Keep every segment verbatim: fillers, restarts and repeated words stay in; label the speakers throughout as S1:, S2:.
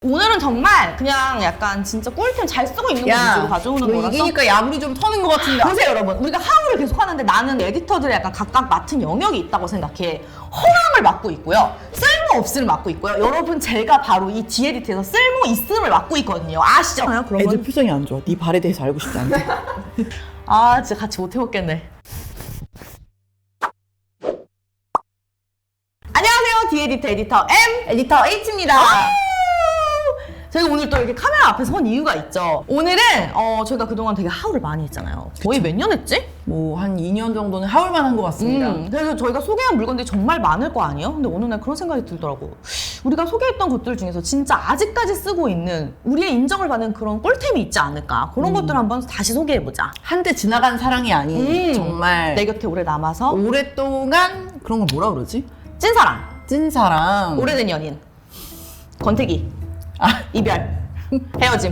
S1: 오늘은 정말 그냥 약간 진짜 꿀템 잘 쓰고 있는 거 위주로 가져오는
S2: 너
S1: 거라서
S2: 이기니까 야물이 좀 터는 것 같은데.
S1: 보세요 여러분, 우리가 하울을 계속 하는데 나는 에디터들이 약간 각각 맡은 영역이 있다고 생각해. 허랑을 맡고 있고요, 쓸모없음을 맡고 있고요. 여러분 제가 바로 이 디에디트에서 쓸모있음을 맡고 있거든요. 아시죠? 그런
S2: 애들
S1: 건?
S2: 표정이 안 좋아. 네 발에 대해서 알고 싶지 않대.
S1: 아 진짜 같이 못 해먹겠네. 안녕하세요, 디에디터 에디터 M
S2: 에디터 H입니다.
S1: 저희가 오늘 또 이렇게 카메라 앞에 선 이유가 있죠. 오늘은 어, 저희가 그동안 되게 하울을 많이 했잖아요. 거의 몇 년 했지?
S2: 뭐 한 이 년 정도는 하울만 한 것 같습니다.
S1: 음, 그래서 저희가 소개한 물건들이 정말 많을 거 아니에요? 근데 어느 날 그런 생각이 들더라고. 우리가 소개했던 것들 중에서 진짜 아직까지 쓰고 있는, 우리의 인정을 받는 그런 꿀템이 있지 않을까. 그런
S2: 음.
S1: 것들을 한번 다시 소개해보자.
S2: 한때 지나간 사랑이 아닌
S1: 음,
S2: 정말
S1: 내 곁에 오래 남아서
S2: 오랫동안 그런 걸 뭐라 그러지?
S1: 찐사랑,
S2: 찐사랑.
S1: 오래된 연인, 권태기,
S2: 아,
S1: 이별, 헤어짐.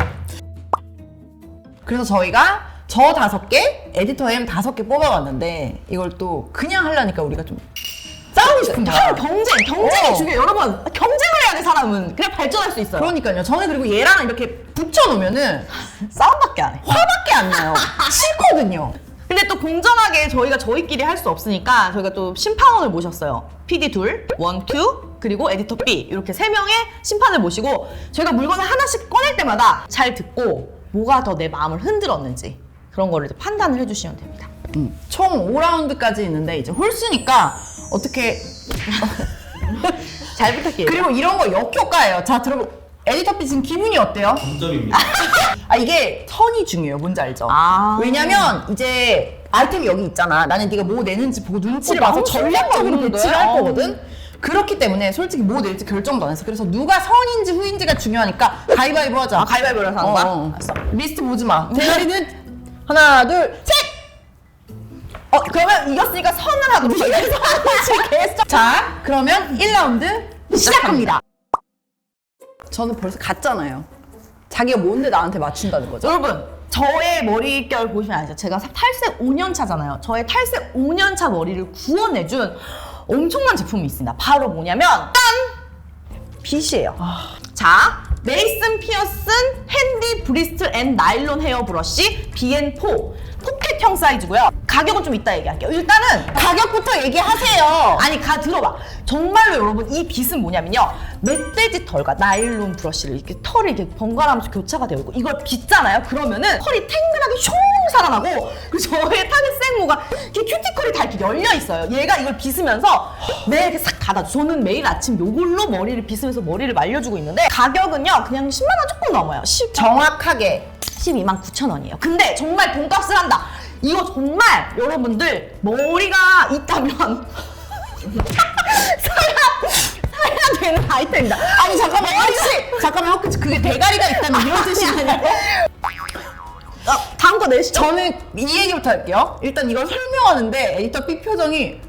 S2: 그래서 저희가 저 다섯 개, 에디터 M 다섯 개 뽑아봤는데 이걸 또 그냥 하려니까 우리가 좀 싸우고 싶은 거야.
S1: 하울 경쟁, 경쟁이
S2: 어.
S1: 중요해요. 여러분, 경쟁을 해야 돼, 사람은. 그래 발전할 수 있어요.
S2: 그러니까요. 저는 그리고 얘랑 이렇게 붙여놓으면은
S1: 싸움밖에 안 해.
S2: 화밖에 안 나요. 싫거든요.
S1: 근데 또 공정하게 저희가 저희끼리 할 수 없으니까 저희가 또 심판원을 모셨어요. 피디 둘, 원, 투, 그리고 에디터 B 이렇게 세 명의 심판을 모시고 저희가 물건을 하나씩 꺼낼 때마다 잘 듣고 뭐가 더 내 마음을 흔들었는지 그런 거를 이제 판단을 해주시면 됩니다.
S2: 음, 총 오 라운드까지 있는데 이제 홀수니까 어떻게
S1: 잘 부탁해요.
S2: 그리고 이런 거 역효과예요. 자, 들어보. 에디터 B 지금 기분이 어때요?
S3: 점점입니다.
S2: 아, 이게 턴이 중요해요. 뭔지 알죠?
S1: 아.
S2: 왜냐면 이제 아이템이 여기 있잖아. 나는 네가 뭐 내는지 보고 눈치를
S1: 어,
S2: 봐서
S1: 너무
S2: 전략적으로
S1: 신기하다,
S2: 배치를 할
S1: 어.
S2: 거거든. 그렇기 때문에 솔직히 뭐 낼지 결정도 안 했어. 그래서 누가 선인지 후인지가 중요하니까 가위바위보 하자.
S1: 아, 가위바위보를 하는 거야?
S2: 어, 어.
S1: 알았어.
S2: 리스트 보지 마. 대가리는 하나, 둘, 셋!
S1: 어, 그러면 이겼으니까 선을 하도록 하겠습니다.
S2: 자, 그러면 일 라운드 시작합니다. 저는 벌써 갔잖아요. 자기가 뭔데 나한테 맞춘다는 거죠?
S1: 여러분, 저의 머릿결 보시면 알죠? 제가 탈색 오 년 차잖아요. 저의 탈색 오 년 차 머리를 구원해준 엄청난 제품이 있습니다. 바로 뭐냐면 짠! 빗이에요.
S2: 아.
S1: 자, 메이슨 피어슨 핸디 브리스트 앤 나일론 헤어 브러쉬 비 앤 포 포켓형 사이즈고요. 가격은 좀 이따 얘기할게요. 일단은
S2: 가격부터 얘기하세요.
S1: 아니 가 들어봐. 정말로 여러분 이 빗은 뭐냐면요, 멧돼지 털과 나일론 브러쉬를 이렇게 털이 이렇게 번갈아가면서 교차가 되어 있고 이걸 빗잖아요. 그러면은 털이 탱글하게 슝 살아나고, 그리고 저의 타겟 생모가 이렇게 큐티클이 다 이렇게 열려 있어요. 얘가 이걸 빗으면서 매일 이렇게 싹 닫아줘. 저는 매일 아침 요걸로 머리를 빗으면서 머리를 말려주고 있는데 가격은요 그냥 십만 원 조금 넘어요. 십
S2: 정확하게
S1: 십이만 구천 원이에요. 근데 정말 돈값을 한다. 이거 정말 여러분들 머리가 있다면 사야, 사야 되는 아이템이다.
S2: 아니 잠깐만 혹시 잠깐만 혹시 그게 대가리가 있다면 이런 뜻이 아니고
S1: 어, 다음 거 내시죠.
S2: 저는 이 얘기부터 할게요. 일단 이걸 설명하는데 에디터 B 표정이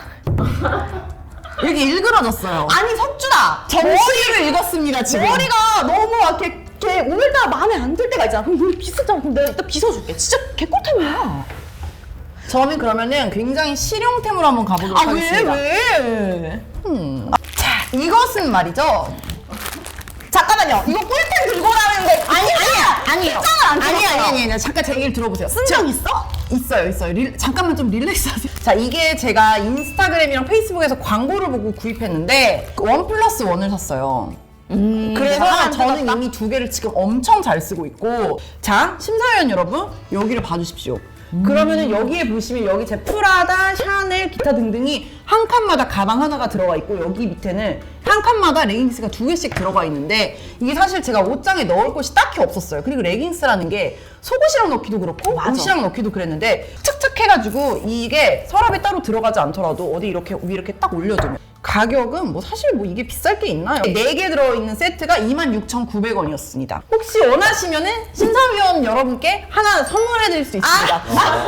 S2: 이렇게 일그러졌어요.
S1: 아니 석준아,
S2: 정시를 읽었습니다 지금.
S1: 머리가 너무 막 이렇게, 이렇게 오늘따라 마음에 안 들 때가 있잖아. 그럼 머리 빗었잖아. 그럼 내가 이따 빗어줄게. 진짜 개꿀템이야.
S2: 저는 그러면은 굉장히 실용템으로 한번 가보도록
S1: 아 왜
S2: 하겠습니다.
S1: 왜?
S2: 음. 자, 이것은 말이죠.
S1: 잠깐만요. 이거 꿀템 들고 나는데
S2: 아니 아니야 아니에요.
S1: 짱을 안
S2: 아니
S1: 찍었어요.
S2: 아니 아니 아니 잠깐 제 얘기를 들어보세요.
S1: 쓴 적 있어?
S2: 있어요, 있어요. 릴, 잠깐만 좀 릴렉스 하세요. 자, 이게 제가 인스타그램이랑 페이스북에서 광고를 보고 구입했는데 원 플러스 원을 샀어요.
S1: 음,
S2: 그래서
S1: 하나
S2: 저는
S1: 뜯었다?
S2: 이미 두 개를 지금 엄청 잘 쓰고 있고, 자, 심사위원 여러분, 여기를 봐주십시오. 그러면은 여기에 보시면 여기 제 프라다, 샤넬, 기타 등등이 한 칸마다 가방 하나가 들어가 있고, 여기 밑에는 한 칸마다 레깅스가 두 개씩 들어가 있는데, 이게 사실 제가 옷장에 넣을 곳이 딱히 없었어요. 그리고 레깅스라는 게 속옷이랑 넣기도 그렇고
S1: 맞아.
S2: 옷이랑 넣기도 그랬는데 착착해가지고 이게 서랍에 따로 들어가지 않더라도 어디 이렇게 위 이렇게 딱 올려두면, 가격은 뭐 사실 뭐 이게 비쌀 게 있나요? 네 개 들어있는 세트가 이만 육천구백 원이었습니다. 혹시 원하시면은 심사위원 여러분께 하나 선물해드릴 수 있습니다.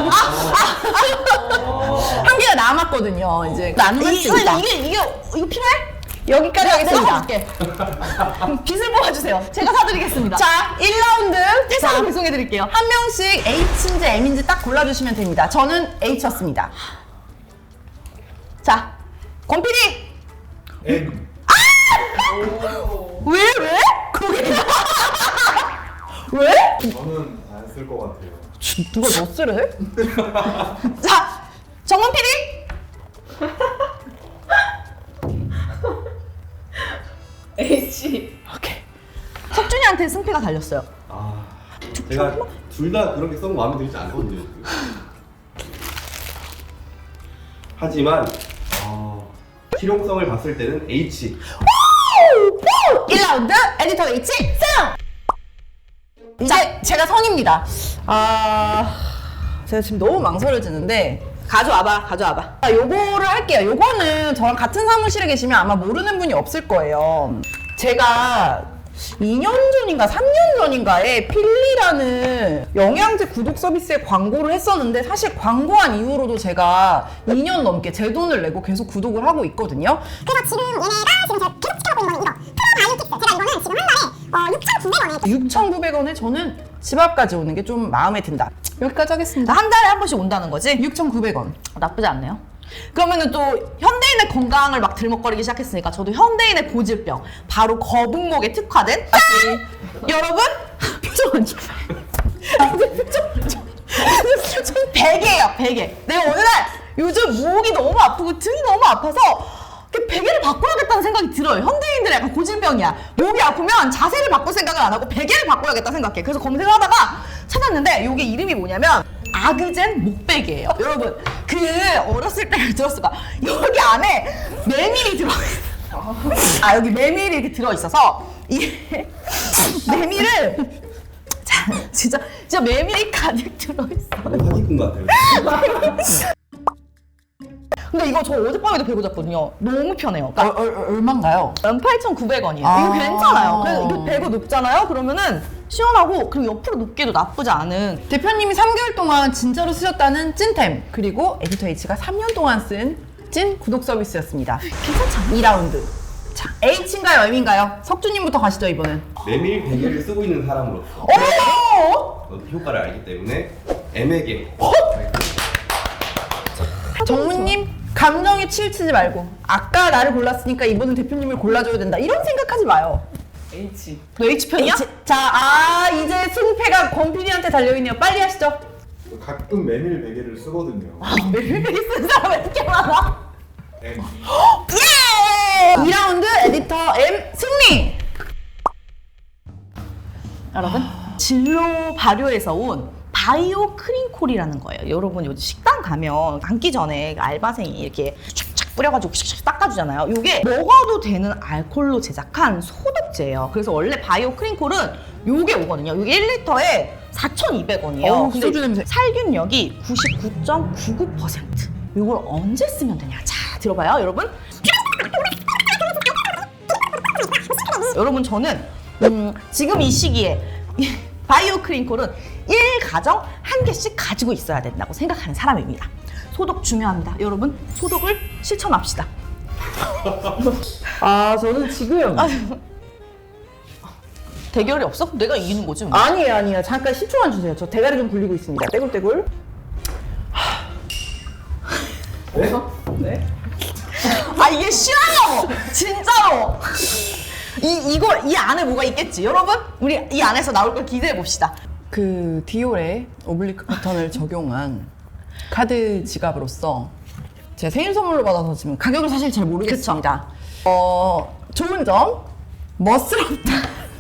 S2: 한 개가 남았거든요. 이제 나눌 수
S1: 이,
S2: 있다.
S1: 이게 이게 이거 필요해?
S2: 여기까지 하겠습니다.
S1: 사줄게. 빚을 뽑아주세요. 제가 사드리겠습니다.
S2: 자, 일 라운드.
S1: 회사로 배송해드릴게요.
S2: 한 명씩 H인지 M인지 딱 골라주시면 됩니다. 저는 H였습니다.
S1: 자, 권피디
S3: M.
S1: 왜 왜?
S2: 왜?
S3: 저는 안 쓸 것 같아요.
S2: 누가 너 쓰래?
S1: 자, 정문 피디.
S4: H.
S2: 오케이.
S1: 석준이한테 승패가 달렸어요.
S3: 아, 제가 둘 다 그런 게 썩 마음에 들지 않거든요. 지금. 하지만 어, 실용성을 봤을 때는 H.
S1: 일 라운드 에디터 H 승!
S2: 이제 제가 선입니다. 아, 제가 지금 너무 망설여지는데
S1: 가져와봐, 가져와봐.
S2: 아, 요거를 할게요. 요거는 저랑 같은 사무실에 계시면 아마 모르는 분이 없을 거예요. 제가 이 년 전인가 삼 년 전인가에 필리라는 영양제 구독 서비스에 광고를 했었는데 사실 광고한 이후로도 제가 이 년 넘게 제 돈을 내고 계속 구독을 하고 있거든요.
S5: 그래서 지금 얘네가 지금 제가 계속 지켜보고 있는 거는 이거 프로바이오틱스. 제가 이거는 지금 한 달에 어, 육천구백 원에
S2: 육천구백 원에 저는 집 앞까지 오는 게 좀 마음에 든다. 여기까지 하겠습니다.
S1: 한 달에 한 번씩 온다는 거지?
S2: 육천구백 원.
S1: 나쁘지 않네요. 그러면은 또 현대인의 건강을 막 들먹거리기 시작했으니까 저도 현대인의 고질병 바로 거북목에 특화된 여러분 표정 안 좋아. 아니, 표정 표정 표정 베개예요 베개. 내가 어느 날 요즘 목이 너무 아프고 등이 너무 아파서 그 베개를 바꿔야겠다는 생각이 들어요. 현대인들의 약간 고질병이야. 목이 아프면 자세를 바꿀 생각을 안 하고 베개를 바꿔야겠다 생각해. 그래서 검색을 하다가 찾았는데 이게 이름이 뭐냐면 아그젠 목베개예요. 여러분 그 어렸을 때 들었을 거야. 여기 안에 메밀이 들어있어. 아 여기 메밀이 이렇게 들어있어서 이게 메밀을 자 진짜 진짜 메밀이 가득 들어있어.
S3: 사기꾼 같아요.
S1: 근데 이거 저 어젯밤에도 베고 잤거든요. 너무 편해요.
S2: 어,
S1: 그러니까
S2: 어, 어, 얼마인가요?
S1: 만 팔천구백 원이에요.
S2: 아.
S1: 이거 괜찮아요. 그래서 이거 베고 눕잖아요. 그러면은 시원하고 그리고 옆으로 눕기도 나쁘지 않은.
S2: 대표님이 삼 개월 동안 진짜로 쓰셨다는 찐템 그리고 에디터 H가 삼 년 동안 쓴 찐 구독 서비스였습니다.
S1: 괜찮지 않아요?
S2: 이 라운드. 자, H인가요, M인가요? 석주님부터 가시죠 이번엔.
S3: 메밀 베개를 쓰고 있는 사람으로서
S2: 오!
S3: 저도 효과를 알기 때문에 M에게
S2: 정무님 감정에 치우치지 말고 아까 나를 골랐으니까 이번엔 대표님을 골라줘야 된다 이런 생각하지 마요.
S4: H.
S1: 너 H 편이야?
S2: H. 자, 아 이제 승패가 권피디한테 달려있네요. 빨리 하시죠.
S3: 가끔 메밀 베개를 쓰거든요.
S1: 메밀베리 쓴 사람 왜 이렇게 많아?
S3: M.
S1: 예!
S2: 이 라운드 에디터 M 승리!
S1: 여러분 진로 발효에서 온 바이오 크림콜이라는 거예요. 여러분 요즘 식당 가면 앉기 전에 알바생이 이렇게 촥촥 뿌려가지고 샥샥 닦아주잖아요. 이게 먹어도 되는 알콜로 제작한 소독제예요. 그래서 원래 바이오 크림콜은 요게 오거든요. 이게 일 리터에 사천이백 원이에요.
S2: 어우, 소주 냄새.
S1: 살균력이 구십구 점 구구 퍼센트. 이걸 언제 쓰면 되냐? 자, 들어봐요, 여러분. 여러분 저는 음, 지금 이 시기에 이 바이오 크림콜은 일 가정 한 개씩 가지고 있어야 된다고 생각하는 사람입니다. 소독 중요합니다. 여러분 소독을 실천합시다.
S2: 아 저는 지금
S1: 대결이 없어? 내가 이기는 거지 뭐.
S2: 아니에요 아니에요 잠깐 십 초만 주세요. 저 대가리 좀 굴리고 있습니다. 떼굴떼굴.
S3: 네?
S4: 네?
S1: 아 이게 쉬워요! 진짜로! 이, 이거, 이 안에 뭐가 있겠지? 여러분? 우리 이 안에서 나올 걸 기대해 봅시다.
S2: 그 디올의 오블리크 패턴을 적용한 카드 지갑으로서 제가 생일 선물로 받아서 지금 가격을 사실 잘 모르겠습니다. 어 좋은 점 멋스럽다.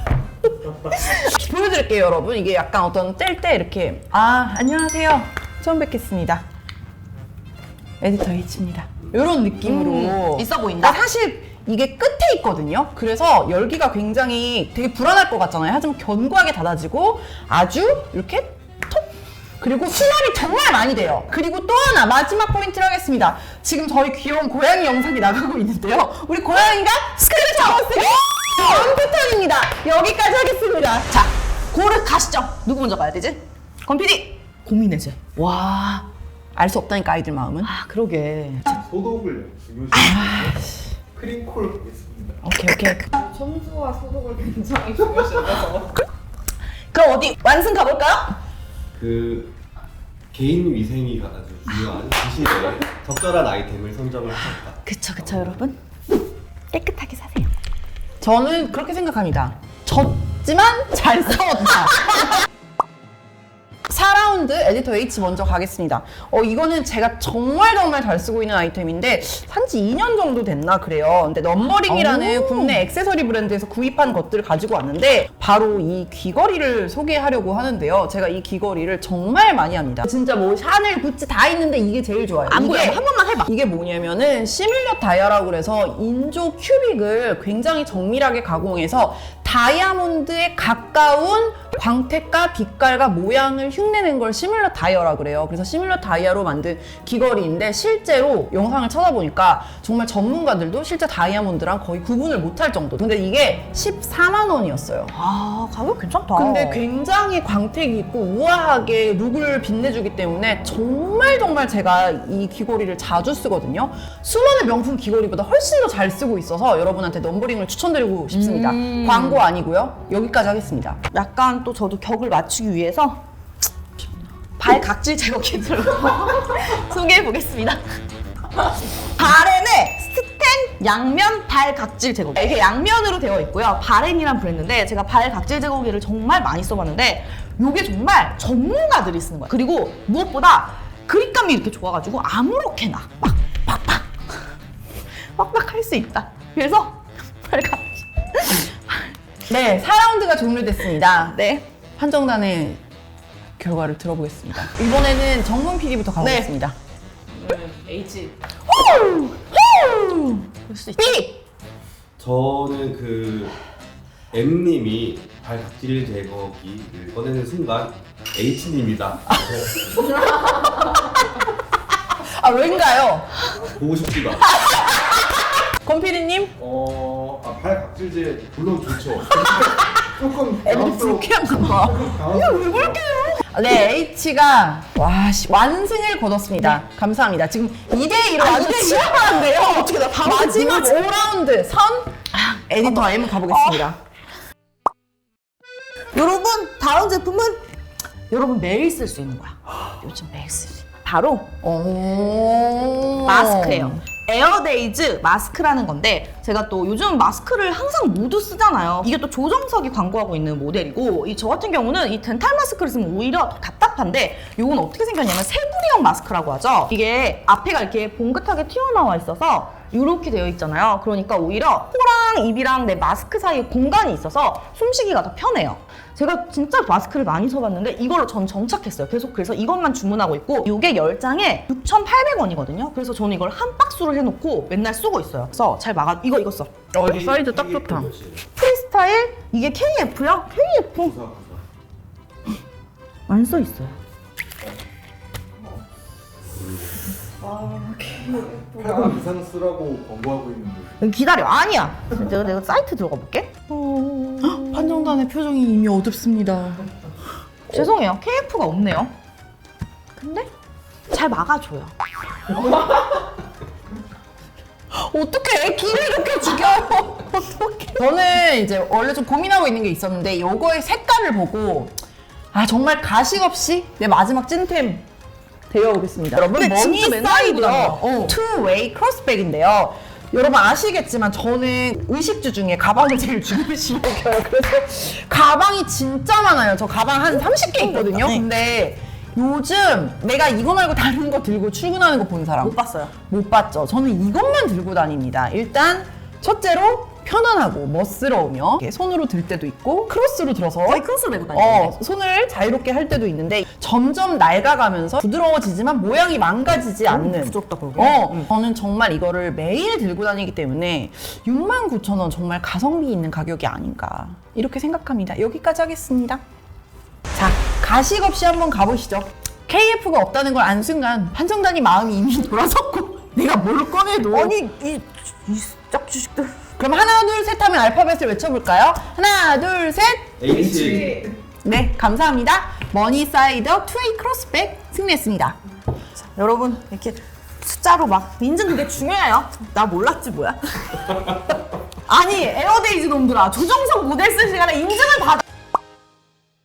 S2: 보여드릴게요 여러분. 이게 약간 어떤 뗄 때 이렇게 아 안녕하세요 처음 뵙겠습니다 에디터 H입니다 이런 느낌으로
S1: 음, 있어 보인다.
S2: 그러니까 사실 이게 끝에 있거든요. 그래서 열기가 굉장히 되게 불안할 것 같잖아요. 하지만 견고하게 닫아지고 아주 이렇게 톡! 그리고 수납이 정말 많이 돼요. 그리고 또 하나 마지막 포인트를 하겠습니다. 지금 저희 귀여운 고양이 영상이 나가고 있는데요. 우리 고양이가 스크래치 잡았어요. 이런 패턴입니다. 여기까지 하겠습니다.
S1: 자, 고르 가시죠. 누구 먼저 가야 되지? 권피디! 고민해제. 와.
S2: 알 수 없다니까 아이들 마음은.
S1: 아, 그러게.
S3: 소독을 중요시 크림콜 있습니다.
S2: 오케이 오케이.
S4: 청소와 소독을 굉장히 중요시해서
S1: 그럼 어디 완승 가볼까요?
S3: 그 개인 위생이 아주 중요한 그 시기에 적절한 아이템을 선정을 하셨다.
S1: 그쵸, 그쵸, 여러분. 깨끗하게 사세요.
S2: 저는 그렇게 생각합니다. 졌지만 잘 싸웠다. 사 라운드 에디터 H 먼저 가겠습니다. 어, 이거는 제가 정말 정말 잘 쓰고 있는 아이템인데 산지 이 년 정도 됐나 그래요. 근데 넘버링이라는 국내 액세서리 브랜드에서 구입한 것들을 가지고 왔는데 바로 이 귀걸이를 소개하려고 하는데요. 제가 이 귀걸이를 정말 많이 합니다. 진짜 뭐 샤넬, 구찌 다 있는데 이게 제일 좋아요.
S1: 안
S2: 이게
S1: 보여. 한 번만 해봐.
S2: 이게 뭐냐면은 시뮬러 다이아라고 그래서 인조 큐빅을 굉장히 정밀하게 가공해서 다이아몬드에 가까운 광택과 빛깔과 모양을 흉내낸 걸 시뮬러 다이아라고 그래요. 그래서 시뮬러 다이아로 만든 귀걸이인데 실제로 영상을 찾아보니까 정말 전문가들도 실제 다이아몬드랑 거의 구분을 못할 정도. 근데 이게 십사만 원이었어요.
S1: 아, 가격 괜찮다.
S2: 근데 굉장히 광택이 있고 우아하게 룩을 빛내주기 때문에 정말 정말 제가 이 귀걸이를 자주 쓰거든요. 수많은 명품 귀걸이보다 훨씬 더 잘 쓰고 있어서 여러분한테 넘버링을 추천드리고 싶습니다.
S1: 음.
S2: 광고 아니고요. 여기까지 하겠습니다.
S1: 약간 또 저도 격을 맞추기 위해서 발 각질 제거 키트를 소개해 보겠습니다. 바렌의 스텐 양면 발 각질 제거기. 이게 양면으로 되어 있고요. 바렌이란 브랜드인데 제가 발 각질 제거기를 정말 많이 써봤는데 이게 정말 전문가들이 쓰는 거예요. 그리고 무엇보다 그립감이 이렇게 좋아가지고 아무렇게나 막 빡빡 빡빡 할 수 있다. 그래서 발 각질.
S2: 네, 사 라운드가 종료됐습니다.
S1: 네.
S2: 판정단의 결과를 들어보겠습니다. 이번에는 정문 피디부터 가보겠습니다.
S4: 저는 H.
S1: 그럴 수 있죠.
S2: B!
S3: 저는 그 M님이 발 각질 제거기를 꺼내는 순간 H님이다.
S2: 아, 왠가요?
S3: 보고 싶지가.
S2: 권 피디님?
S6: 어, 아, 발 각질제 물론 좋죠. 조금
S2: 애들이
S6: 당황스러워.
S2: 불쾌한가 봐.
S6: 당황스러워.
S2: 네, H가 와, 씨, 완승을 거뒀습니다. 감사합니다. 지금 이 대 이로 아주 치열한데요. 어떻게 나 마지막 오 라운드 선 에디터 M 가보겠습니다.
S1: 여러분 다음 제품은 여러분 매일 쓸 수 있는 거야. 요즘 매일 쓸 수 있는 바로
S2: 오.
S1: 마스크예요. 에어데이즈 마스크라는 건데 제가 또 요즘 마스크를 항상 모두 쓰잖아요. 이게 또 조정석이 광고하고 있는 모델이고 이 저 같은 경우는 이 덴탈 마스크를 쓰면 오히려 더 답답한데 이건 어떻게 생겼냐면 세부리형 마스크라고 하죠. 이게 앞에가 이렇게 봉긋하게 튀어나와 있어서 이렇게 되어 있잖아요. 그러니까 오히려 코랑 입이랑 내 마스크 사이에 공간이 있어서 숨쉬기가 더 편해요. 제가 진짜 마스크를 많이 써봤는데 이걸로 전 정착했어요. 계속 그래서 이것만 주문하고 있고 이게 열 장에 육천팔백 원이거든요. 그래서 저는 이걸 한 박스로 해놓고 맨날 쓰고 있어요. 그래서 잘 막아. 이거 이거 써.
S2: 어, 이거 사이즈 딱 좋다.
S1: 프리스타일 이게 케이에프요? 케이에프 안 써 있어요.
S4: 아,
S6: 팔 번 이상 쓰라고 광고하고 있는데.
S1: 기다려. 아니야. 내가 내가 사이트 들어가 볼게.
S2: 판정단의 표정이 이미 어둡습니다.
S1: 죄송해요. 케이에프가 없네요. 근데 잘 막아줘요.
S2: 어떻게 길을 이렇게 죽여요? 어떻게? 저는 이제 원래 좀 고민하고 있는 게 있었는데 이거의 색깔을 보고 아 정말 가식 없이 내 마지막 찐템 데려오겠습니다. 여러분
S1: 근데
S2: 머니
S1: 진짜 맨날
S2: 사이드
S1: 입으잖아요. 어.
S2: 투웨이 크로스백인데요. 여러분 아시겠지만 저는 의식주 중에 가방을 제일 중요시 여겨요. 그래서 가방이 진짜 많아요. 저 가방 한 삼십 개 있거든요.
S1: 네.
S2: 근데 요즘 내가 이거 말고 다른 거 들고 출근하는 거 본 사람
S1: 못 봤어요.
S2: 못 봤죠. 저는 이것만 들고 다닙니다. 일단 첫째로 편안하고 멋스러우며 이렇게 손으로 들 때도 있고 크로스로 들어서
S1: 거의 크로스 메고 다니는데.
S2: 어, 손을 자유롭게 할 때도 있는데 점점 낡아가면서 부드러워지지만 모양이 망가지지 않는
S1: 부드럽다 그러게.
S2: 어,
S1: 응.
S2: 저는 정말 이거를 매일 들고 다니기 때문에 육만 구천 원 정말 가성비 있는 가격이 아닌가 이렇게 생각합니다. 여기까지 하겠습니다. 자, 가식 없이 한번 가보시죠. 케이에프가 없다는 걸 안 순간 판정단이 마음이 이미 돌아섰고 내가 뭘 꺼내도
S1: 아니 이 이 짝주식들.
S2: 그럼 하나 둘 셋 하면 알파벳을 외쳐볼까요? 하나 둘 셋.
S3: H.
S2: 네, 감사합니다. 머니사이더 투웨이 크로스백 승리했습니다.
S1: 여러분 이렇게 숫자로 막 인증 그게 중요해요. 나 몰랐지 뭐야. 아니 에어데이즈 놈들아 조정석 모델 쓸 시간에 인증을 받아.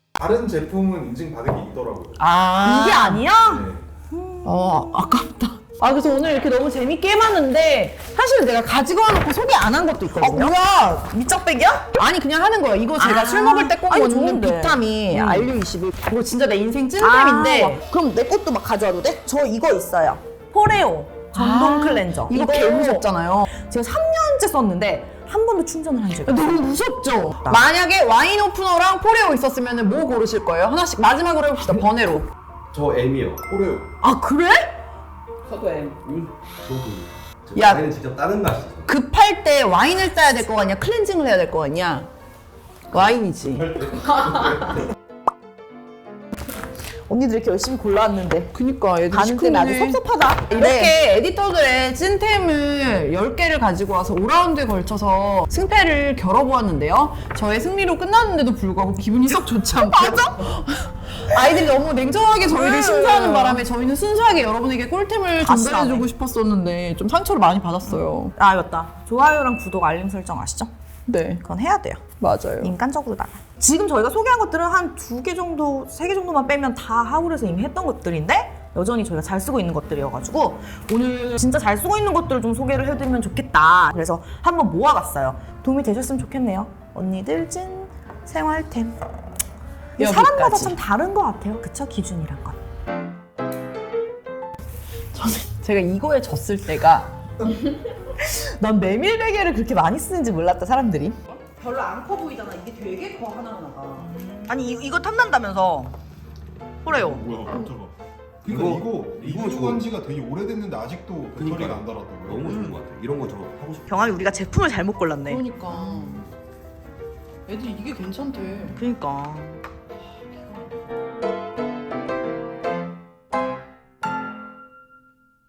S6: 다른 제품은 인증 받은 게 있더라고요.
S2: 아
S1: 이게 아니야?
S6: 네.
S2: 어, 아깝다. 아 그래서 오늘 이렇게 너무 재밌게 해봤는데 사실은 내가 가지고 와놓고 소개 안 한 것도
S1: 어
S2: 있거든요.
S1: 뭐야 밑적백이야?
S2: 아니 그냥 하는 거예요. 이거 제가
S1: 아.
S2: 술 먹을 때 꼭
S1: 아니,
S2: 먹는
S1: 좋은데.
S2: 비타민
S1: 음.
S2: 알유 이십일. 이거 진짜 내 인생 찐템인데
S1: 아, 그럼 내 것도 막 가져와도 돼? 저 이거 있어요. 포레오 전동
S2: 아,
S1: 클렌저.
S2: 이거 개 무섭잖아요.
S1: 제가 삼 년째 썼는데 한 번도 충전을 한 적이 없어요.
S2: 너무 무섭죠? 만약에 와인 오프너랑 포레오 있었으면 뭐 고르실 거예요? 하나씩 마지막으로 해봅시다. 번외로.
S3: 저 M이요.
S6: 그래요.
S1: 아 그래?
S4: 저도 M.
S3: 음, 저도.
S2: 야.
S3: 와인은 직접 따는 맛이죠.
S2: 급할 때 와인을 따야 될 거 같냐? 클렌징을 해야 될 거 같냐? 와인이지.
S1: 언니들 이렇게 열심히 골라왔는데
S2: 그니까 얘들
S1: 가는 때는 아주
S2: 시큰해.
S1: 섭섭하다.
S2: 이렇게
S1: 네.
S2: 에디터들의 찐템을 열 개를 가지고 와서 오 라운드에 걸쳐서 승패를 겨뤄보았는데요. 저의 승리로 끝났는데도 불구하고 기분이 썩 좋지 않고 맞아? 아이들이 너무 냉정하게 저희를
S1: 네.
S2: 심사하는 바람에 저희는 순수하게 여러분에게 꿀템을
S1: 다시
S2: 전달해주고
S1: 나네.
S2: 싶었었는데 좀 상처를 많이 받았어요.
S1: 아 맞다. 좋아요랑 구독 알림 설정 아시죠?
S2: 네,
S1: 그건 해야 돼요.
S2: 맞아요.
S1: 인간적으로 나가. 지금 저희가 소개한 것들은 한 두 개 정도, 세 개 정도만 빼면 다 하울에서 이미 했던 것들인데 여전히 저희가 잘 쓰고 있는 것들이어가지고 오늘 진짜 잘 쓰고 있는 것들을 좀 소개를 해드리면 좋겠다. 그래서 한번 모아봤어요. 도움이 되셨으면 좋겠네요. 언니들 찐 생활템. 이게
S2: 여기까지.
S1: 사람마다 참 다른 것 같아요. 그쵸? 기준이란 건.
S2: 저는 제가 이거에 졌을 때가
S1: 난 메밀 베개를 그렇게 많이 쓰는지 몰랐다, 사람들이.
S4: 별로 안 커 보이잖아. 이게 되게 커 하나하나가.
S1: 아니, 이, 이거 탐난다면서. 그래요.
S6: 뭐야 깜짝아. 그러니까
S3: 이거-
S6: 이거
S3: 이거
S6: 리뷰한
S3: 좋은-
S6: 지가 되게 오래됐는데 아직도 배터리가
S3: 그러니까요.
S6: 안 달았다고요?
S3: 너무 좋은 것 같아요. 이런 거 저 하고 싶어요.
S1: 경환이 우리가 제품을 잘못 골랐네.
S2: 그러니까 애들이 이게 괜찮대.
S1: 그러니까.